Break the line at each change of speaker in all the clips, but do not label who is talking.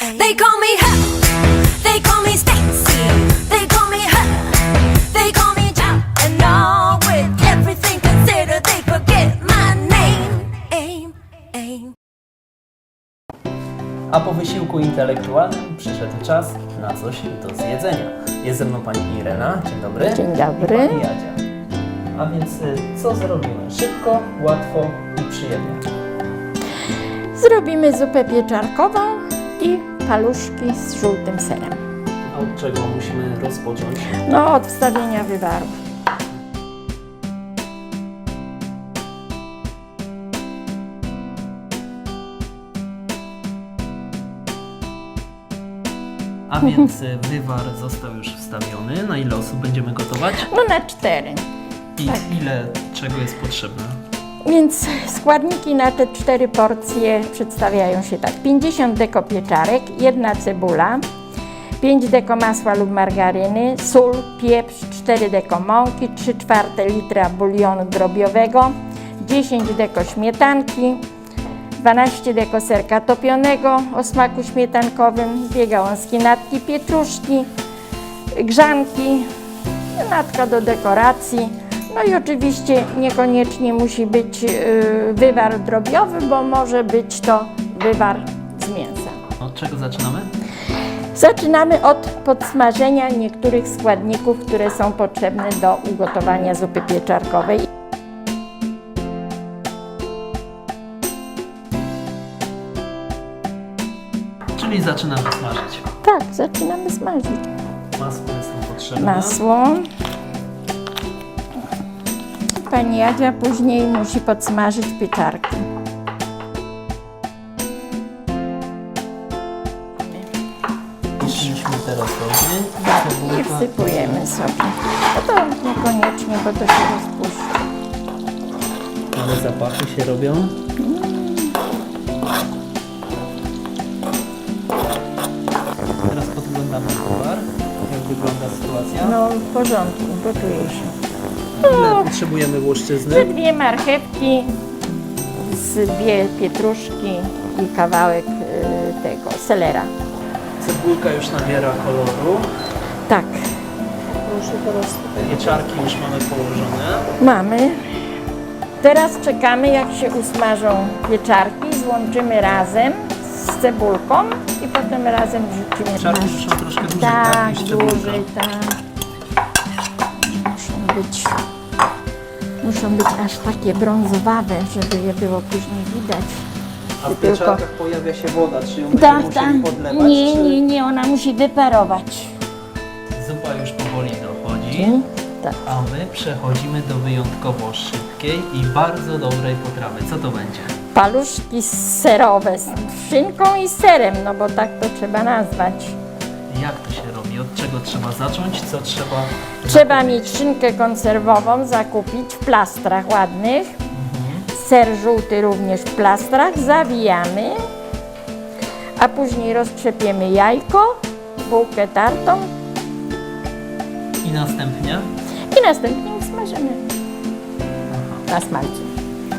They call me her, they call me Stacy, they call me her, they call me John. And all with everything considered, they forget my name. Aim.
A po wysiłku intelektualnym przyszedł czas na coś do zjedzenia. Jest ze mną pani Irena, dzień dobry.
Dzień dobry.
I pani Jadzia. A więc co zrobimy? Szybko, łatwo i przyjemnie.
Zrobimy zupę pieczarkową i paluszki z żółtym serem.
A od czego musimy rozpocząć?
No, od wstawienia wywaru.
A więc wywar został już wstawiony. Na ile osób będziemy gotować?
No na 4.
I
Tak.
ile czego jest potrzebne?
Więc składniki na te 4 porcje przedstawiają się tak. 50 deko pieczarek, 1 cebula, 5 deko masła lub margaryny, sól, pieprz, 4 deko mąki, 3/4 litra bulionu drobiowego, 10 deko śmietanki, 12 deko serka topionego o smaku śmietankowym, 2 gałązki natki pietruszki, grzanki, natka do dekoracji. No i oczywiście niekoniecznie musi być wywar drobiowy, bo może być to wywar z mięsa.
Od czego zaczynamy?
Zaczynamy od podsmażenia niektórych składników, które są potrzebne do ugotowania zupy pieczarkowej.
Czyli zaczynamy smażyć.
Tak, zaczynamy smażyć.
Masło jest nam potrzebne.
Masło. Pani Jadzia później musi podsmażyć pieczarki.
Jeśliśmy teraz dobrze.
I wsypujemy sobie. No to niekoniecznie, bo to się rozpuści.
Ale zapachy się robią. Teraz podglądamy towar. Jak wygląda sytuacja?
No w porządku, gotuje się.
Ile potrzebujemy łuszczyzny?
2 marchewki, z 2 pietruszki i kawałek tego selera.
Cebulka już nabiera koloru.
Tak,
Pieczarki już mamy położone.
mamy. Teraz czekamy, jak się usmażą pieczarki, złączymy razem z cebulką i potem razem wrzucimy.
Pieczarki
na-
muszą troszkę dłużej,
Tak,
niż cebulka.
dłużej, tak. Muszą być aż takie brązowawe, żeby je było później widać.
A w
Tylko-
pieczarkach pojawia się woda, czy ją będziemy musieli podlewać? czy...
Nie, ona musi wyparować.
Zupa już powoli dochodzi.
Tak.
A my przechodzimy do wyjątkowo szybkiej i bardzo dobrej potrawy. Co to będzie?
Paluszki serowe z szynką i serem, no bo tak to trzeba nazwać.
Jak to się robi? Od czego trzeba zacząć? Co trzeba...
Trzeba mieć szynkę konserwową, zakupić w plastrach ładnych. Ser żółty również w plastrach, zawijamy, a później roztrzepiemy jajko, bułkę tartą
I następnie?
i następnie smażymy na smalcu.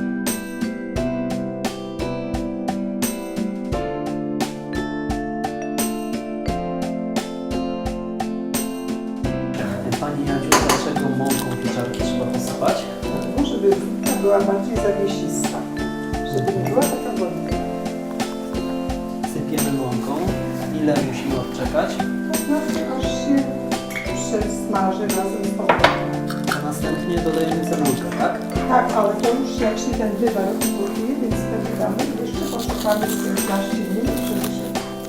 Pani Jadziu, dlaczego mąką pieczarki trzeba posypać?
Dlatego, żeby zupka była bardziej zawiesista, żeby nie była taka wodna.
Sypiemy mąką. Ile musimy odczekać?
To znaczy, aż się przesmaży razem z tą wodą.
A następnie dodajemy cebulkę, tak?
Tak, ale to już jak się ten wywar ugotuje, więc wtedy damy jeszcze poczekamy z 15 minut, żeby się...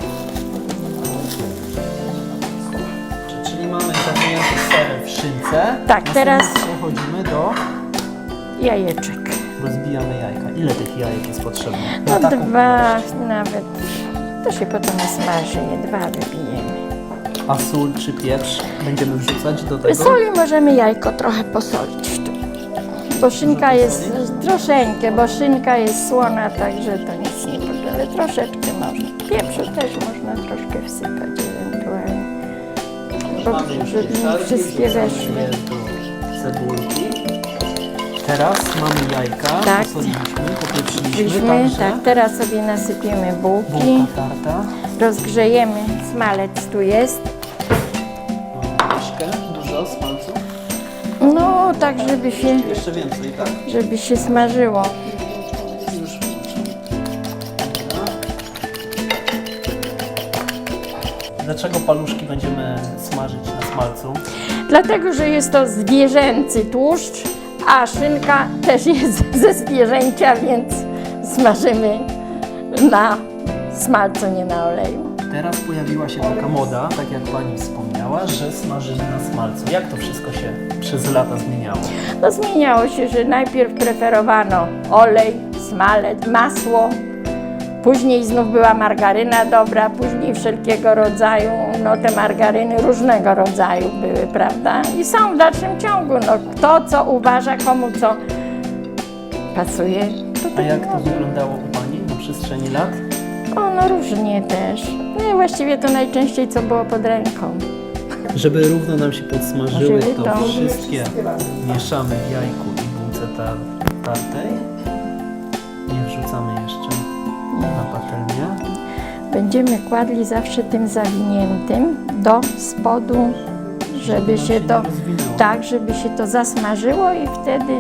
Czyli mamy zawinięty ser w szynce.
Tak, teraz-
przechodzimy do...
Jajeczek.
Rozbijamy jajka. Ile tych jajek jest potrzebne?
No
Na taką
2
ilość.
nawet, to się potem smaży, je 2 wybijemy.
A sól czy pieprz będziemy wrzucać do tego?
Soli możemy jajko trochę posolić tu. Bo szynka jest troszeczkę, bo szynka jest słona, także to nic nie potrzeba, ale troszeczkę można. Pieprzu też można troszkę wsypać ewentualnie.
Mamy już
Żeby
pieczarki,
wszystkie
wrzucamy
weszły.
je do cebulki. Teraz mamy jajka,
Tak.
posoliliśmy, popieprzyliśmy,
Byśmy,
także
tak, teraz sobie nasypiemy bułki,
bułka tarta,
rozgrzejemy, smalec tu jest.
troszkę, dużo smalcu,
No, tak
jeszcze więcej, tak?
żeby się smażyło.
Już. Dlaczego paluszki będziemy smażyć na smalcu?
Dlatego, że jest to zwierzęcy tłuszcz, a szynka też jest ze zwierzęcia, więc smażymy na smalcu, nie na oleju.
Teraz pojawiła się taka moda, tak jak Pani wspomniała, że smażymy na smalcu. Jak to wszystko się przez lata zmieniało?
No zmieniało się, że najpierw preferowano olej, smalec, masło, później znów była margaryna dobra, później wszelkiego rodzaju, no te margaryny różnego rodzaju były, prawda? I są w dalszym ciągu, no kto co uważa, komu co pasuje. To
A
tak
jak to
może.
wyglądało u Pani na przestrzeni lat?
O, no różnie też. No i właściwie to najczęściej co było pod ręką.
Żeby równo nam się podsmażyły,
Żeby
to
to-
wszystkie mieszamy w jajku i bułce tartej. Nie wrzucamy jeszcze na patelnię.
Będziemy kładli zawsze tym zawiniętym do spodu, żeby
nam
się
się
to
nie rozwinęło.
tak, żeby się to zasmażyło i wtedy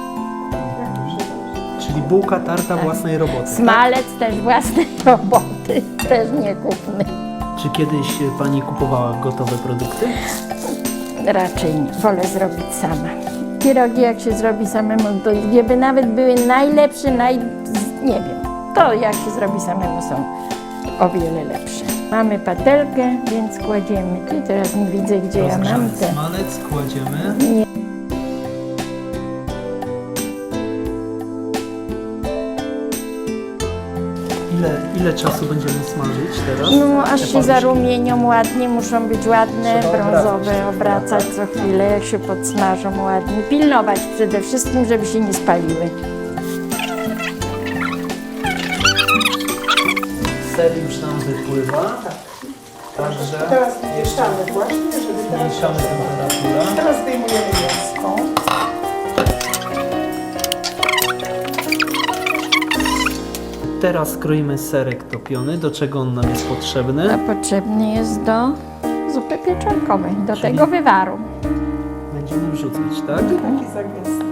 Czyli bułka tarta własnej roboty. Tak?
smalec też własnej roboty, też nie kupny.
Czy kiedyś Pani kupowała gotowe produkty?
Raczej nie. Wolę zrobić sama. Pierogi jak się zrobi samemu, to gdyby nawet były najlepsze, nie wiem, to jak się zrobi samemu są o wiele lepsze. Mamy patelkę, więc kładziemy. Ty teraz nie widzę, gdzie ja mam
Rozgrzany
te.
smalec kładziemy. Ile czasu będziemy smażyć teraz?
No,
te
aż się
paluszki?
zarumienią ładnie, muszą być ładne,
Trzeba
brązowe,
obracać,
obracać co chwilę, jak się podsmażą ładnie. Pilnować przede wszystkim, żeby się nie spaliły.
Ser już nam wypływa. Także
Teraz mieszamy właśnie, żeby teraz...
zmniejszamy temperaturę.
Teraz zdejmujemy mięsko.
Teraz kroimy serek topiony. Do czego on nam jest potrzebny?
A potrzebny jest do zupy pieczarkowej, do tego wywaru.
Będziemy wrzucać, tak?
Taki zagęsty.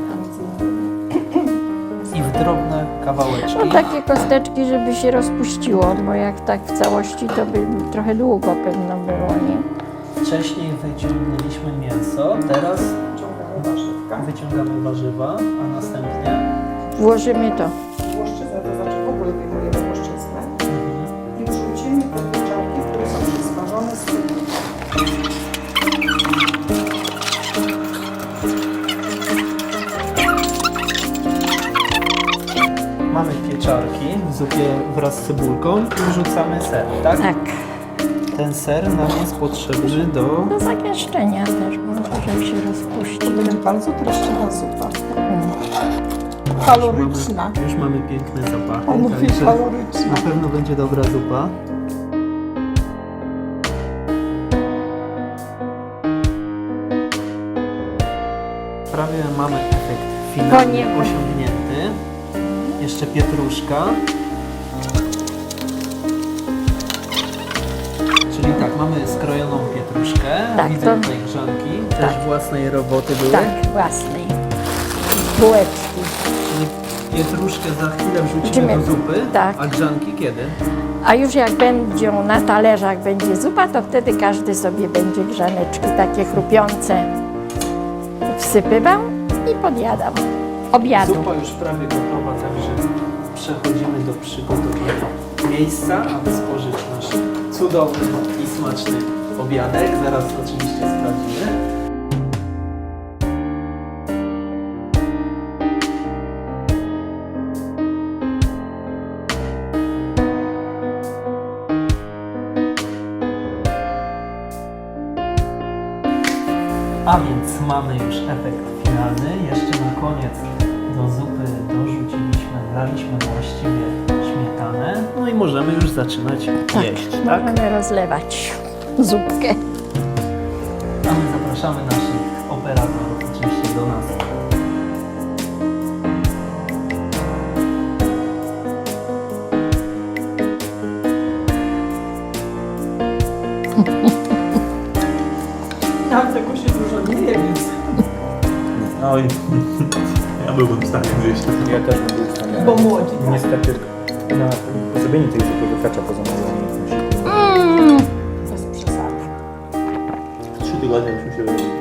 I w drobne kawałeczki.
No takie kosteczki, żeby się rozpuściło, bo jak tak w całości, to by trochę długo pewno było, nie?
Wcześniej wyciągnęliśmy mięso, teraz
Ciągamy warzywka.
wyciągamy warzywa, a następnie
Włożymy to.
Łoszczyznę, to znaczy w ogóle wyjmujemy łoszczyznę i wrzucimy te pieczarki, które są przysmażone z tyłu.
mamy pieczarki w zupie wraz z cebulką i wrzucamy ser, tak?
Tak,
Ten ser nam jest potrzebny do...
do zagęszczenia też, bo żeby się rozpuścił.
Będzie bardzo treściwa zupa. Kaloryczna.
Już mamy piękne zapachy,
On mówi
także
kaloryczna.
na pewno będzie dobra zupa. Prawie mamy efekt finalnie
Koniec.
osiągnięty. Jeszcze pietruszka. Czyli tak, mamy skrojoną pietruszkę.
Tak,
Widzę
to-
tutaj grzanki. Też
Tak.
własnej roboty były.
Tak, własnej. Bułeczki.
Czyli pietruszkę za chwilę wrzucimy
Wrzucimy.
do zupy,
Tak.
a grzanki kiedy?
A już jak będą na talerzach będzie zupa, to wtedy każdy sobie będzie grzaneczki takie chrupiące wsypywał i podjadał. Obiadu.
Zupa już prawie gotowa, także przechodzimy do przygotowania miejsca, aby spożyć nasz cudowny i smaczny obiadek. Zaraz oczywiście sprawdzimy. A więc mamy już efekt finalny. Jeszcze na koniec do zupy dorzuciliśmy, wlaliśmy właściwie śmietanę. No i możemy już zaczynać jeść, tak?
Możemy rozlewać zupkę.
A my zapraszamy naszych operatorów oczywiście do nas
Oj, ja byłbym w stanie zjeść.
Ja też bym był w stanie.
Bo młodzi.
Niestety na zrobienie tej zupy wykracza poza moją umiejętność.
Bez przesady.
3 tygodnie byśmy się wyrobili.